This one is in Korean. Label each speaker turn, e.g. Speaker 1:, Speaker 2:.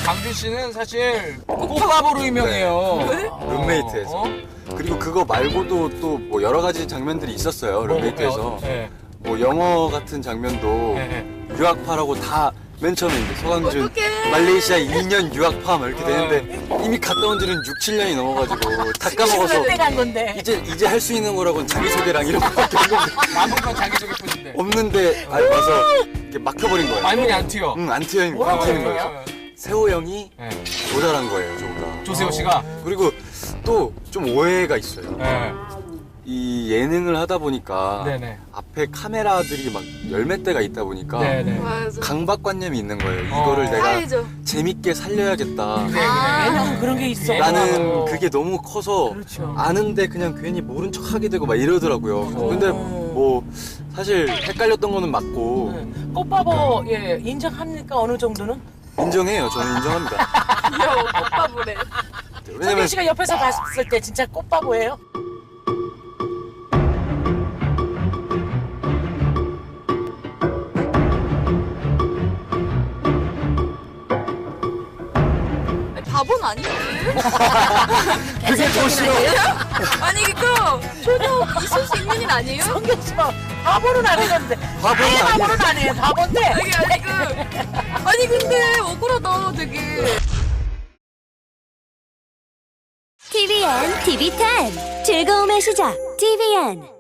Speaker 1: 강준 씨는 사실 꽃바보로 유명해요.
Speaker 2: 네? 룸메이트에서. 그리고 그거 말고도 또 뭐 여러 가지 장면들이 있었어요. 룸메이트에서.
Speaker 1: 네.
Speaker 2: 뭐 영어 같은 장면도
Speaker 1: 네.
Speaker 2: 유학파라고 다 맨 처음에 이제 서강준
Speaker 3: 어떡해.
Speaker 2: 말레이시아 2년 유학파 막 이렇게 되는데 이미 갔다 온 지는 6, 7년이 넘어가지고 다 까먹어서
Speaker 4: 간 건데.
Speaker 2: 이제 할 수 있는 거라고는 자기소개랑 이런 거밖에
Speaker 1: 아무런 자기소개뿐인데.
Speaker 2: 없는데 와서 이렇게 막혀버린 거예요.
Speaker 1: 말문이 안 튀어.
Speaker 2: 안 튀는 거예요. 세호 형이
Speaker 1: 네.
Speaker 2: 모자란 거예요, 저보다.
Speaker 1: 조세호 씨가.
Speaker 2: 그리고 또 좀 오해가 있어요.
Speaker 1: 네.
Speaker 2: 이 예능을 하다 보니까
Speaker 1: 네네.
Speaker 2: 앞에 카메라들이 막 열 몇 대가 있다 보니까
Speaker 1: 네네.
Speaker 3: 맞아.
Speaker 2: 강박관념이 있는 거예요. 이거를 내가
Speaker 3: 사회죠.
Speaker 2: 재밌게 살려야겠다.
Speaker 1: 그래.
Speaker 4: 왜냐면 그런 게 있어.
Speaker 2: 라는 그게 너무 커서
Speaker 4: 그렇죠.
Speaker 2: 아는데 그냥 괜히 모른 척 하게 되고 막 이러더라고요. 근데 뭐 사실 헷갈렸던 거는 맞고
Speaker 4: 꽃바보 예 인정합니까 어느 정도는?
Speaker 2: 인정해요. 저는 인정합니다.
Speaker 3: 귀여워. 꽃바보래.
Speaker 4: 성경
Speaker 2: 왜냐면
Speaker 4: 씨가 옆에서 봤을 때 진짜 꽃바보예요?
Speaker 3: 바보는 아니지.
Speaker 2: 그게 더 싫어.
Speaker 3: 아니 그거 전혀 있을 수 있는 일 아니에요?
Speaker 4: 성경 씨가 바보는 아니던데.
Speaker 2: 바보는
Speaker 4: 아예
Speaker 2: 아니에요.
Speaker 4: 바보는 아니에요. 바본데.
Speaker 3: 아니 근데 억울하다 되게.
Speaker 5: TVN, TV10 즐거움의 시작 TVN